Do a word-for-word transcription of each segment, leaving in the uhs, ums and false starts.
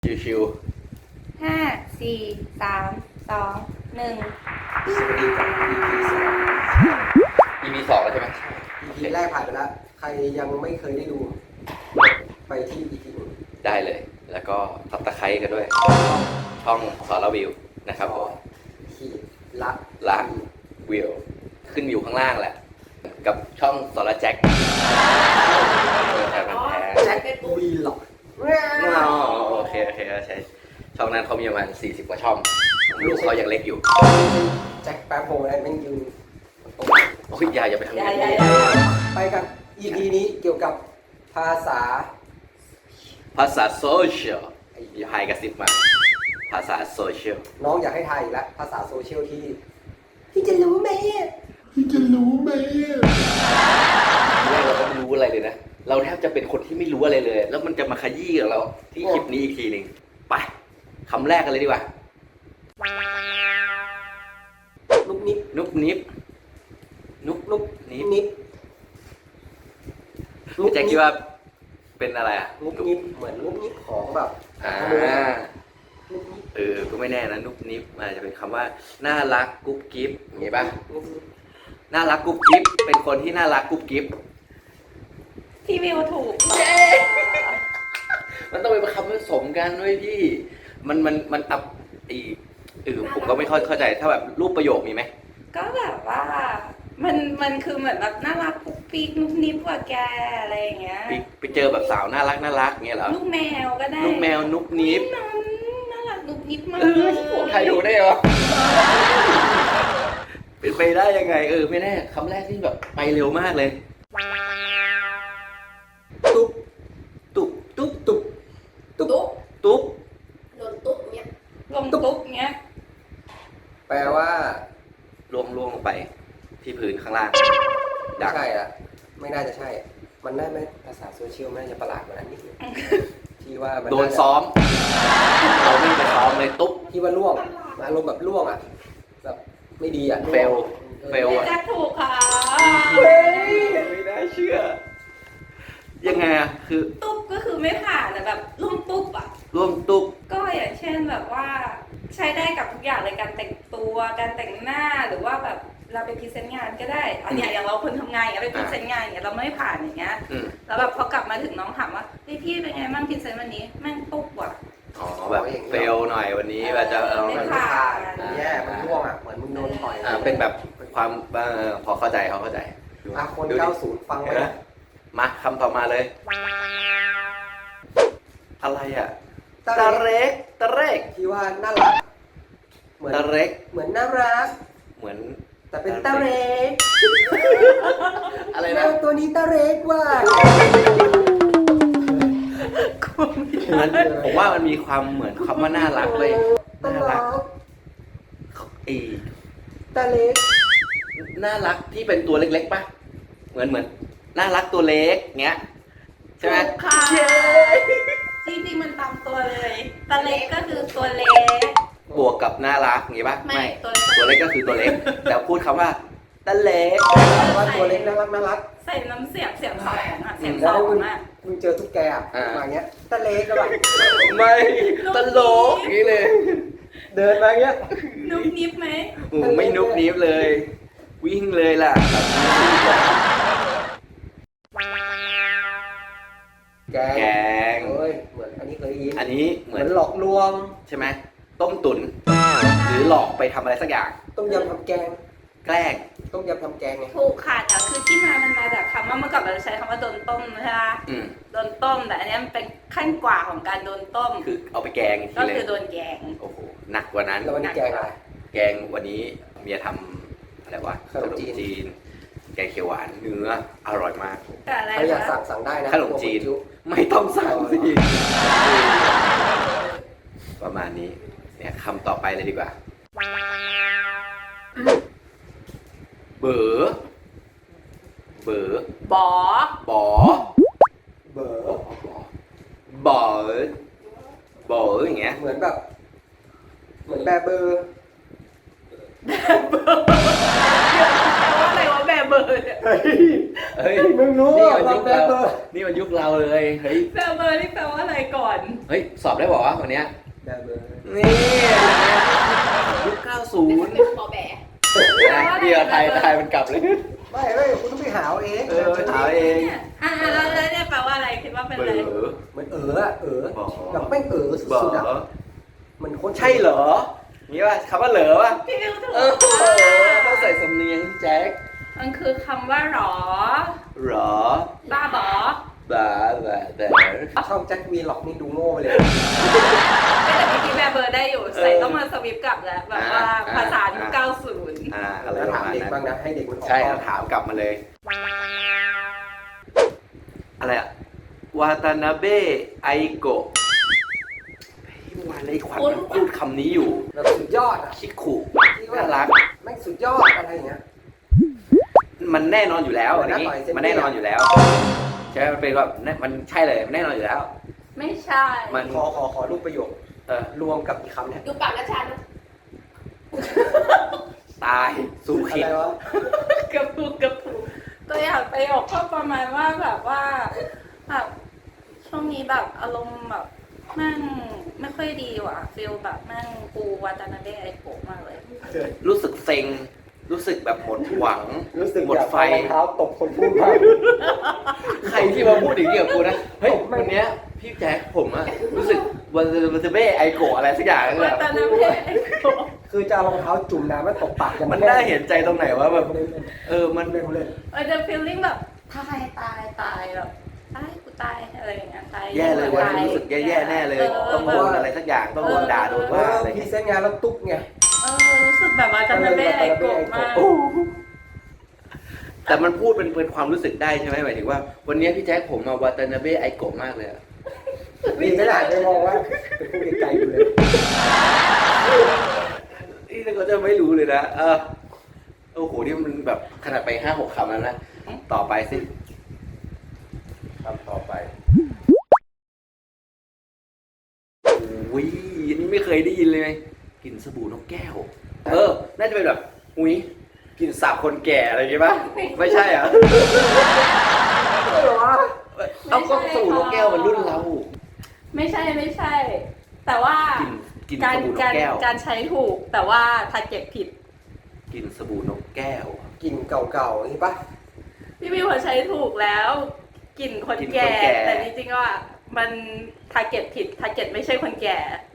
ชิวห้าสี่สามสองหนึ่งสวัสดีกับ อี พี สองๆ อี พี สองแล้วใช่ไหมอี พี แรกผ่านไปแล้ว ใครยังไม่เคยได้ดู ไปที่ อี พี หนึ่งได้เลย แล้วก็ซับตะไคร้กันด้วย ช่องสอรวิวนะครับผมขีดละละวิวขึ้นอยู่ข้างล่างแหละ กับช่องสอรแจ็คแพ้มันแพ้แจ็ควีล็อกอ๋อโอเคโอเคใช่ช่องนั้นเขามีประมาณสี่สิบกว่าช่องลูกเขายังเล็กอยู่แจ็คแป๊บโฮอะไรแม่งยืนโอ้ยอย่าอย่าไปทำอย่างใหญ่นี้ใหญ่ไปกัน อี พี นี้เกี่ยวกับภาษาภาษาโซเชียลอย่าไฮกระซิบมาภาษาโซเชียลน้องอยากให้ทายอีกแล้ว ภาษาโซเชียลที่ พี่จะรู้ไหมพี่จะรู้ไหมแรกเราก็ไม่รู้อะไรเลยนะ เราแทบจะเป็นคนที่ไม่รู้อะไรเลย แล้วมันจะมาขยี้กับเราที่คลิปนี้อีกทีหนึ่งไปคำแรกกันเลยดีกว่านุกนิบนุบนิบนุบนุกนินิบบนุกแจ็คคิดว่าเป็นอะไรอ่ะนุกนิบเหมือนนุกนิบของแบบอ่านุกนิบเออก็ไม่แน่นะนุบนิบอาจจะเป็นคำว่าน่ารักกุ๊บกิ๊บอย่างงี้ป่ะนุกนิบน่ารักกุ๊บกิ๊บเป็นคนที่น่ารักกุ๊บกิ๊บพี่วิวถูกมันต้องเป็นคำผสมกันด้วยพี่ มันมันมันอับอีเออผมก็ไม่ค่อยเข้าใจถ้าแบบรูปประโยคมีไหมก็แบบว่า มันมันคือเหมือนแบบน่ารักปุ๊กปิ๊กนุกนิบกว่าแกอะไรอย่างเงี้ยไปไปเจอแบบสาวน่ารักน่ารักเงี้ยเหรอลูกแมวก็ได้ลูกแมวนุบนิบน้องน่ารักนุกนิบมากเออผมใครดูได้เหรอเป็นไปได้ยังไง เออไม่แน่คำแรกที่แบบไปเร็วมากเลยตุ๊บตุ๊บตุ๊บตุ๊บตุ๊บตุ๊บโดนตุ๊บเงี้ยลงตุ๊บเงี้ยแปลว่าล่วงล่วงลงไป ที่พื้นข้างล่างไม่ใช่อะไม่น่าจะใช่ มันน่าไม่ภาษาโซเชียลมันน่าจะประหลาดกว่านั้นนิดนึงที่ว่ามัโดนซ้อม เราไม่ไปซ้อมเลยตุ๊บที่ว่าล่วงอารมณ์แบบล่วงอะแบบไม่ดีอะเฟล เฟลแจ็คถูกค่ะเฮ้ยไม่น่าเชื่อ ยังไงอะคือตุ๊บก็คือไม่ผ่านแต่แบบลุ่มตุ๊บอ่ะร่วมตุ๊บก็อย่างเช่นแบบว่า ใช้ได้กับทุกอย่างเลยการแต่งตัวการแต่งหน้าหรือว่าแบบเราไปพรีเซนต์งานก็ได้อันเนี้ยอย่างเราคนทำงานอย่างเงี้ยไปพรีเซนต์งานอย่างเงี้ยเราไม่ผ่านอย่างเงี้ยอืมแล้วแบบพอกลับมาถึงน้องถามว่าเฮ้ยพี่เป็นไงบ้างพรีเซนต์วันนี้แม่งตุ๊บว่ะอ๋อแบบเฟลหน่อยวันนี้ว่าจะเอาไม่มันผ่าไม่ผ่านมันแย่มันล่วงอะเหมือนมึงโดนต่อยอ่าเป็นแบบความเอ่อพอเข้าใจเขาเข้าใจอ่ะคนดูดิเก้าสิบฟังไว้เห็นไหมนะมาคำต่อมาเลย อะไรอ่ะตาตาเล็กเร็กตาเร็กที่ว่าน่ารักเหมือนตาเร็กเหมือนน่ารักเหมือนแต่เป็นตาเล็กอะไรแมนะวตัวนี้ตาเล็กว่ะมันผมว่ามันมีความเหมือนคำว่าน่ารักเลยตาน่ารัรักกอีตาเล็กน่ารักที่เป็นตัวเล็กๆป่ะ เหมือนเหมือนน่ารักตัวเล็กเงี้ยใช่ไหมถูกค่ะเย้จริงๆมันตามตัวเลยตะเล็กก็คือตัวเล็กบวกกับน่ารักอย่างงี้ป่ะไม่ตัวเล็กตัวเล็กก็คือตัวเล็ก แต่พูดคำว่าตาเล็กว่าตัวเล็กน่ารักน่ารักใส่น้ำเสียงเสียงสองอ่ะเสียงสแล้อวงมึงอ่ะมึงเจอตุ๊กแกอ่ะมาอย่างเงี้ยตาเล็กก็แบบไม่ตลกอย่างนี้เลยเดินมาอย่างเงี้ยนุบนิบไหมโอ้โหไม่นุบนิ้วเลย วิ่งเลยล่ะแกแกงเอ้ยเหมือนอันนี้เคยได้ยินอันนี้เหเหมืมืออน นหลอกลวงใช่ไหมต้มตุ๋นหรือหลอกไปทำอะไรสักอย่างต้มยำทำแกงแกล้งต้มยำทำแกงไงถูกค่ะแต่คือที่มามันมาจากคำว่าเมื่อก่อนเราจะใช้คำว่าโดนต้มใช่ไหมอืมโดนต้มแต่อันนี้มันเป็นขั้นกว่าของการโดนต้มคือเอาไปแกงอีกทีก็เลคือย โดนแกงโอ้โหหนักกว่านั้นแล้ววันนี้แกงอะไรแกงวันนี้เมียทำอะไรวะขนมจีนนแกงเขียวหวานเนื้ออร่อยมากแต่อะไรใครอยากนะสั่งสั่งได้นะขนมจีน ไม่ต้องสั่งสิประมาณนี้เนี่ยคำต่อไปเลยดีกว่า เบ๋อเบ๋อบอบอเบอร์บอเบ๋ออย่างเงี้ยเหมือนแบบ เหมือนแบเบอร์แปลว่าอะไรวะแบบเบอร์เนี่ยเอเฮ้ยมึงรู้นี่อ่ะมันยุคแบเราเบอร์นี่มันยุคเราเลยเฮ้ยแบเบอร์นี่แปลว่าอะไรก่อนเฮ้ยสอบได้บอกว่าวันเนี้ยแบเบอร์นี่ยุคเก้าสิบเป็นหมอแบะเดี๋ยวไทยไทยมันกลับเลยไม่ไม่คุณต้องไปหาเอาเองเออไปหาเองเนี่ยอ่าแล้วแล้วเนี่ยแปลว่าอะไรคิดว่าเป็นเบอะไรอเหมือนเอออะเออบอกแบบแม่งเออเบสุดๆอ่ะอมันโคตรใช่เหรอนี่ว่าคำว่าเหรอวะพี่วิวถูกเออต้องใส่สำเนียงพี่แจ็คมันคือคำว่าหรอเหรอบ้าบอบ้าบ้าแต่ช่องแจ็ควีล็อกนี่ดูโง่ไปเลยแต่เมื่อกี้แบเบอร์ได้อยู่ใส่ต้องมาสวิปกลับแล้วแบบว่าภาษายุคเก้าสิบอ่าอะไรแล้วประถามมาณเด็กนั้นบ้างนะให้เด็กมันออกใช่กล้เอาองถามกลับมาเลย อะไรอะวาตานาเบะไอโกะเมื่อวานเลยขวัญมันพูดคำนี้อยู่แบบสุดยอดอ่ะคิดขู่น่ารักแม่งสุดยอดอะไรอย่างเงี้ยมันแน่นอนอยู่แล้วเหมือัอน นนี้นักต่อยเส้นมันแน่นอนอยู่แล้ว ใช่ไหมมันเป็นแบบมันใช่เลยมันแน่นอนอยู่แล้วไม่ใช่มันขอขอขอรูปประโยคเออรวมกับอีกคำเนี่ยดูปากนะชาดูตายสู้อะขิดไรวะกระปุกกระปุกตัวอย่างประโยคก็ประมาณว่าแบบว่าแบบช่วงนี้แบบอารมณ์แบบแม่งไม่ค่อยดีว่ะฟีลแบบแม่งกูวาตานาเบะไอโกะมากเลยรู้สึกเซ็ง รู้สึกแบบหมดหวังรู้สึกหมดอยากไฟเอารองเท้าตบคนพูดมากใครที่มาพูดอย่างนี้กับกูนะ เฮ้ยวันเนี้ยพี่แจ๊คผมอะรู้สึกวันวันเบ้ไอโกะอะไรสักอย่างเลยวาอะตานาเบะไอโกะคือจะเอารองเท้าจุ่มน้ำแล้วตบปากกันมันน่าเห็นใจตรงไหนวะแบบเล่นเล่นเออมันเล่นเล่นมันจะฟีลลิ่งแบบตายตายตายแบบตายกูตายอะไรอย่างเงี้ยตายแย่เลยวันนี้ตารู้สึกแย่ๆแน่เลย ต้องโดนอะไรสักอย่างต้องโดนด่าโดนเอว่าออะไรพรีเงี้ยเซนต์งานแล้วตุ๊กไงเออรู้สึกแบบวาตานาเบะไอโกะมากแต่มันพูดเป็นเป็นความรู้สึกได้ใช่ไหมหมายถึงว่า วันนี้พี่แจ๊คผมมาวาตานาเบะไอโกะมากเลยอะนี่ไม่ได้ไปมองว่าเป็นผู้ไกลๆอยู่เลยนี่เราก็จะไม่รู้เลยนะเออโอ้โหนี่มันแบบขนาดไปห้าหกคำแล้วนะต่อไปสิคำต่อไปอุ้ยอันนี้ไม่เคยได้ยินเลยกลิ่นสบู่นกแก้ว เออ น่าจะเป็นแบบอุ้ยกลิ่นสาบคนแก่อะไรอย่างงี้ป่ะไม่ใช่เหรอไม่หรอเอาก็สบู่นกแก้วมันรุ่นเราไม่ใช่ไม่ใช่ แต่ว่ากลิ่นกลิ่นการสบู่นกการแก้วการใช้ถูกแต่ว่าทาร์เก็ตผิดกลิ่นสบู่นกแก้วกลิ่นเก่าๆนี่ปะพี่วิวเขาใช้ถูกแล้วกลิ่นคนกลิ่นแก่คนแก่แต่จริงๆว่ามันทาร์เก็ตผิดทาร์เก็ตไม่ใช่คนแก่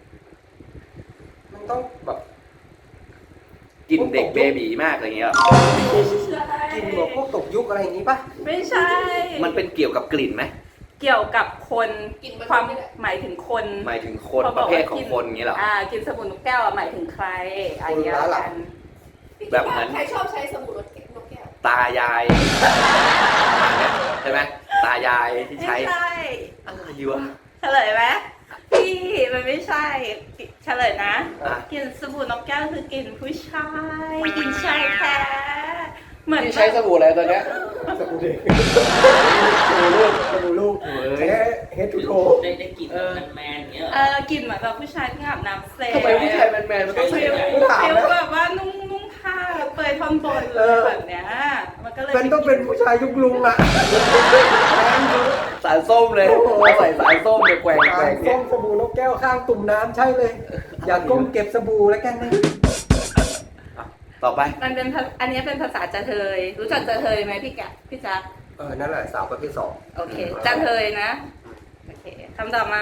มันต้องแบบกลิ่นเด็กเบบีมากอะไรเงี้ยกลิ่นแบบพวกตกยุคอะไรอย่างนี้ปะไม่ใช่มันเป็นเกี่ยวกับกลิ่นไหมเกี่ยวกับคนกินมันความไม่ได้หมายถึงคนหมายถึงคนขาปบระกเภว่าทของคนอย่างเงี้ยเหรออ่ากินสบู่นกแก้วอะหมายถึงใครอะไรอย่างเงี้ยกันแบบนั้นใครชอบใช้สบู่รสแก้วนกแก้วตายายประมาณเนี้ยใช่ไหมตายายที่ไม่ใช้ใช่อะไรวะเฉลยไหมพี่มันไม่ใช่เฉลยนะอ่ะกลิ่นสบู่นกแก้วคือกลิ่นผู้ชายกลิ่นชายแท้เหมือนที่ใช้สบู่อะไรตอนเนี้ยสบู่เด็กสบู่ลูกสบู่ลูกเฮ้ยใช้เฮดทูโทได้ได้กลิ่นแมนๆอย่างเงี้ยเหรอเออกลิ่นเหมือนแบบผู้ชายที่อาบน้ำเสร็จทำไมผู้ชายแมนๆมันต้องใส่ฟิลแบบไม่ถามฟิลนะแบบว่านุ่งนุ่งผ้าเปลือยท่อนบนเลยแบบเนี้ยมันก็เลยเป็นต้องเป็นผู้ชายยุคลุงอะสารส้มเลยเอาใส่สารส้มเลยแกว่งแกว่สาง ส้เนี่ยมสบู่นกแก้วข้างตุ่มน้ำใช่เลย อย่าก้มเก็บสบู่แล้วกันนะต่อไปมันเป็นภาอันนี้เป็นภาษาจะเทยรู้จักจะเทยไหมพี่แกะพี่จ๊ะเออนั่นแหละสาวประเภทสองโอเคจะเทยนะโอเคคำต่อมา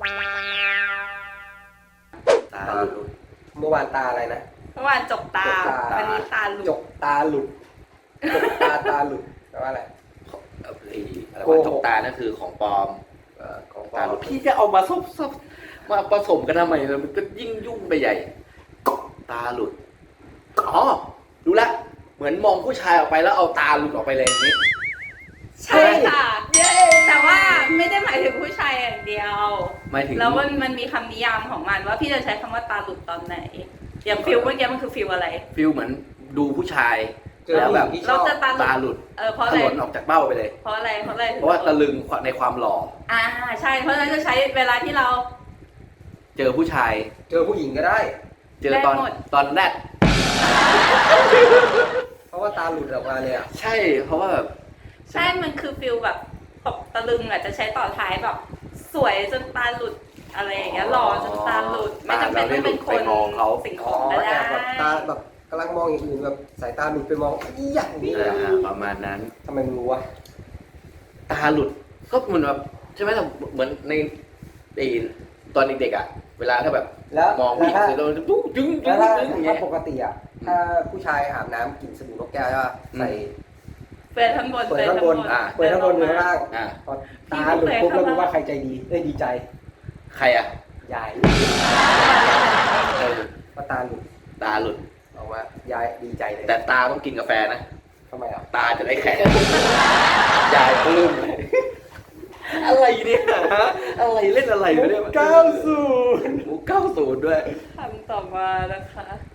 ตาตาหลุดเมื่อวานตาอะไรนะเมื่อวานจกตาจกตาวันนี้ตาหลุจดกตาหลุดจกตาตาหลุดแปลว่าอะไรเอ่อไอ้อะไรโกวะหกจกตานั่นคือของปลอมเอ่อของปลตาอหลุมดพี่จะเอามาซบซบมาผสมกันทำไมมันก็ยิ่งยุ่งไปใหญ่ ตาหลุดอ๋อรู้ละเหมือนมองผู้ชายออกไปแล้วเอาตาหลุดออกไปเลยอย่างนี้ใช่ค่ะแต่ว่าไม่ได้หมายถึงผู้ชายอย่างเดียวหมายถึงแล้วมันมันมีคำนิยามของมันว่าพี่จะใช้คำว่าตาหลุดตอนไหน อย่างฟิลเมื่อกี้มันคือฟิลอะไรฟิลเหมือนดูผู้ชายเจอแล้วผู้หแบญิบงที่ชเราอบจะตาหลุตาดหลุดเออเพราะถอะไรลนออกจากเบ้าไปเลยเพราะอะไรเพราะอะไรเพราะว่าตะลึงในความหล่ออ่าใช่เพราะฉะนั้นจะใช้เวลาที่เราเจอผู้ชายเจอผู้หญิงก็ได้เจอตอนได้หมดตอนแรกเพราะว่าตาหลุดออกมาเลยอ่ะใช่ เพราะว่าแบบใช่ มันคือฟิลแบบตกตะลึงอ่ะจะใช้ต่อท้ายแบบสวยจนตาหลุดอะไรอย่างเงี้ยหล่อจนตาหลุด ไม่จำเป็นต้องเป็นคนตาเราได้หลุดไปมองเขาสิ่งขอ๋อองก็แอได้บแบบตาแบบกำลังมองอย่างอื่นแบบสายตาหลุดไปมองอีหยังนี่อ่าประมาณนั้นทำไมมึงรู้วะตาหลุดก็เหมือนแบบใช่ไหมแต่เหมือนในไอ้ตอนเด็กๆอ่ะ เวลาถ้าแบบแล้วมองผู้หญิงแล้วเสร็จแล้วมันจะปุ๊บจึ้งจึ้ถ้าง ถ้าจึ้งอย่างถ้าเงี้ยปกติอ่ะถ้าผู้ชายอาบน้ำกลิ่นสบู่นกแก้วใช่ป่ะอืมใส่เปิดข้างบนเปิดข้างบนอ่าเปิดข้างบนอยู่ข้างล่างอ่าพอตาหลุดปุ๊บแล้วรู้ว่าใครใจดีเอ้ยดีใจใครอ่ะยายเออพอตาหลุดตาหลุดออกมายายดีใจเลยแต่ตาต้องกินกาแฟนะทำไมอ่ะตาจะได้แข็ง ยายปลื้มเลยอะไรเนี่ยฮะอะไรเล่นอะไรวะเนี่ยเก้าศูนย์มุกเก้าศูนย์ด้วยคำต่อมานะคะ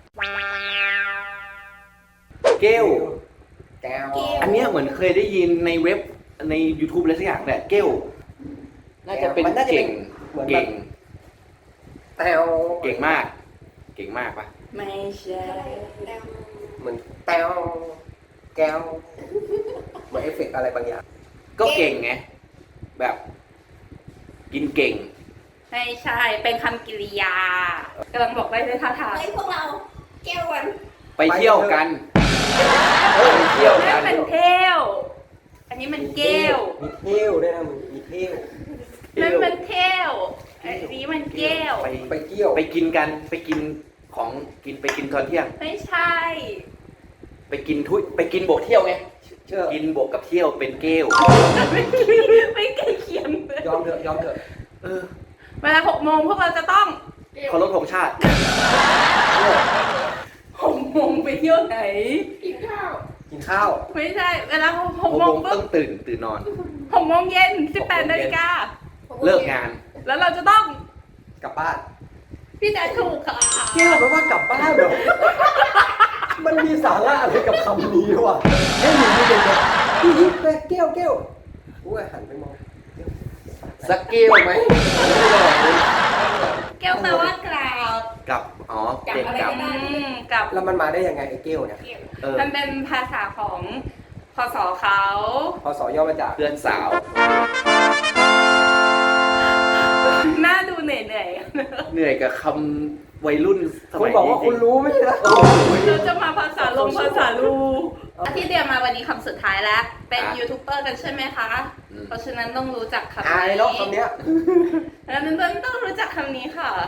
เกลแก้วอันเนี้ยเหมือนเคยได้ยินในเว็บใน YouTube อะไรสักอย่างแหละเกลน่าจะเป็นเก่งเหมือนเก่งแต้วเก่งมาก เก่งมากปะไม่ใช่เหมือนแต้วแก้วเหมือนเอฟเฟกต์อะไรบางอย่างก็เก่งไง แบบ กินเก่งไม่ใช่ เป็นคำกริยากำลังบอกได้ด้วยท่าทางเฮ้ยพวกเราแก้ววันไปเที่ยวกันเออไปเที่ยวนั่กัน นเป็นเที่ยว อันนี้มันเกลวมีเที่ยวด้วยนะมึงมีเที่ยวนั่นมันเที่ยวอันนี้มันเกลวไปไปเที่ยวไปกินกัน ไปกินของกินไปกินตอนเที่ยงไม่ใช่ไปกินทุยไปกินบวกเที่ยวไงเชื่อกินบวกกับเที่ยวเป็นเกลไม่ใกล้เคียงเลยยอมเถอะยอมเถอะเออเวลาหกโมงพวกเราจะต้องเคารพธงชาติหกโมงไปเที่ยวไหนกินข้าวกินข้าวไม่ใช่ เวลาหกหกโมโมงงปุ๊ต้อบ งตื่นตื่นนอนหกโมงเย็นสิบแปดนาฬิกาเลิกงานแล้วเราจะต้องกลับบ้านพี่แจ๊คถูกค่ะเที่ยวแปลว่ากลับบ้านเหรอ มันมีสาระอะไรกับคำนี้วะให้หนูดูเด็กเลยพี่ยิ้มไปแก้วแก้วกูก็หันไปมองสักเกลไหมแก้วแปลว่ากราบกับ อ๋อ เก่งกับอืมกับแล้วมันมาได้ยังไงไอ้แก้วเนี่ยเก็บเออมันเป็นภาษาของพศเขาพอสอย่อมาจากเพื่อนสาวหน้าดูเหนื่อยเหนื่อยกับคำวัยรุ่นสคุมัณยบอกนี้ว่าคุณรู้ไม่ใช่เหรอๆเราจะมาภาษาลงภาษาลูที่เรียนมาวันนี้คำสุดท้ายแล้ว เป็นยูทูบเบอร์กันใช่ไหมคะอืมเพราะฉะนั้นต้องรู้จักคำอายนี้เนาะคำเนี้ยแล้วนั้นต้องรู้จักคำนี้ค่ะ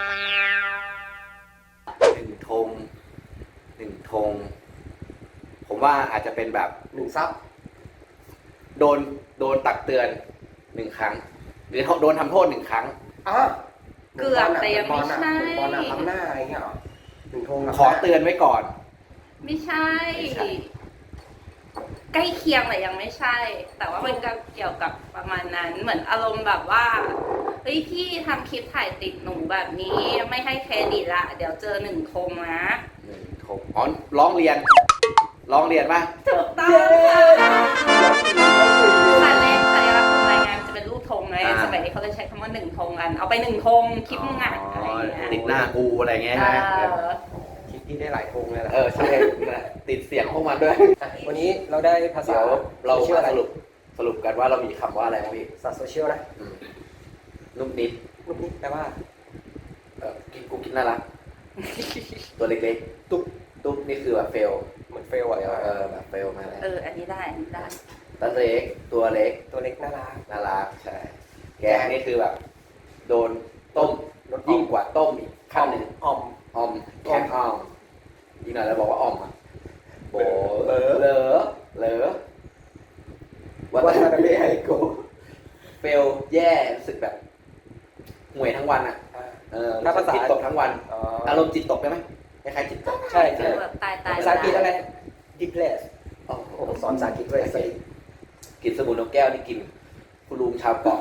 หนึ่งธงหนึ่งธง ผมว่าอาจจะเป็นแบบหนึ่งซับโดน โดนตักเตือนหนึ่งครั้ง หรือโดนทำโทษหนึ่งครั้งอ่ะเกือบแต่ยังไม่ใช่บอลน่ะล้ำหน้าอะไรเงี้ยเหรอหนึ่งธงล้ำหน้าขอเตือนไว้ก่อนไม่ใช่ไม่ใช่ใกล้เคียงแต่ยังไม่ใช่ แต่ว่ามันก็เกี่ยวกับประมาณนั้น เหมือนอารมณ์แบบว่าเฮ้ยพี่ทำคลิปถ่ายติดหนูแบบนี้ ไม่ให้เครดิตละเดี๋ยวเจอหนึ่งธงนะหนึ่งธงอ๋อร้องเรียน ร้องเรียนป่ะถูกต้องค่ะสัญลักษณ์สัญลักษณ์ของรายงานจะเป็นรูปธงไงอ่าสมัยนี้เขาเลยใช้คำว่าหนึ่งธงกัน เอาไปหนึ่งธงคลิปมึงอ่ะอะไรอย่างเงี้ยติดหน้ากูอะไรเงี้ยเอใช่ไหมอคลิปที่ได้หลายธงเลยแหละเออใช่ติดเสียงพวกมันด้วยอ่ะวันนี้เราได้ภาษาเดี๋ยวเราโซเชียลมาอะไรสรุปสรุปกันว่าเรามีคำว่าอะไรบ้างพี่ภาษาโซเชียลนะอืมนุ่มนิดลูกนี้แปลว่าเออกินกูกินน่ารัก ตัวเล็กๆ ตุ๊บตุ๊บนี่คือแบบเฟลเหมือนเฟลอะเฟลเออแบบเฟลมาแล้วเออ อันนี้ได้อันนี้ได้ตัวเล็กตัวเล็กตัวเล็กน่ารักน่ารักใช่แกงนี่คือแบบ โดนต้มโดนออมยิ่งกว่าต้มอีกขั้นหนึ่งออมออมแข็งออมอีกหน่อยเราบอกว่าออมอ่ะโบเหลอเหลอเหลอวัฒนธรรมไฮโกเฟลแย่รู้สึกแบบห่วยทั้งวันอ่ะอ่าเออถ้าภาษาจิตตกทั้งวันอ๋ออารมณ์จิตตกได้ไหมคล้ายๆจิตตกใช่คืใช่อแบบตายตายภาษาอังกฤษอะไร depressed โอ้โหโอ้โหสอนภาษาอังกฤษด้วยสิกินสมุนนกแก้วนี่กินคุณลุงชาวเกาะ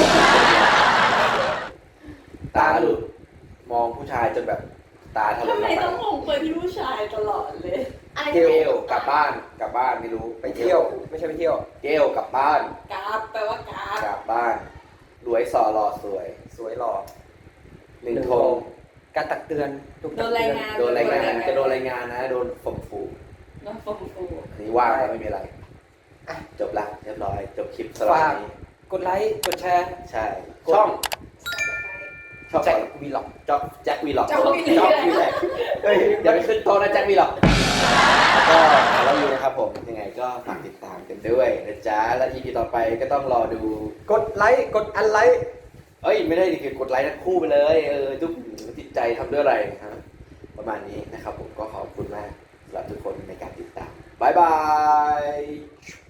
ตาหลุดมองผู้ชายจนแบบตาถลนทำไมไปต้องมองไปที่ผู้ชายตลอดเลยอะไรเกลกลับบ้านกลับบ้านไม่รู้ไปเที่ยว ไม่ใช่ไปเที่ยวเกลกลับบ้านกราฟแปลว่ากราฟกลับบ้านรวยสอหล่อสวยสวยหล่อหนึ่งธงการตักเตือนถูกโดตักนเตืรายอนงานโดนรายงานจะโดนรายงานนะโดนข่มขู่โดนฟงฟูอันนี้ว่าแล้วไม่มีอะไรอ่ะจบละเรียบร้อยจบคลิปสำหรับฝากวันนี้กดไลค์กดแชร์ใช่ช่องช่องแจ็ควีล็อกจ็อกแจ็ควีล็อกจ็อกวีล็อกจ็อกวีล็อกเฮ้ยอย่าไปขึ้นโต๊ะนะแจ็ควีล็อกแล้วก็เราอยู่นะครับผมยังไงก็ฝากติดตามกันด้วยนะจ๊ะและ อี พี ต่อไปก็ต้องรอดูกดไลค์กดอันไลค์เอ้ยไม่ได้ดิคือกดไลค์ทั้งคู่ไปเลยเออทุกจิตใจทำด้วยอะไรฮะประมาณนี้นะครับผมก็ขอบคุณมากสำหรับทุกคนในการติดตามบ๊ายบาย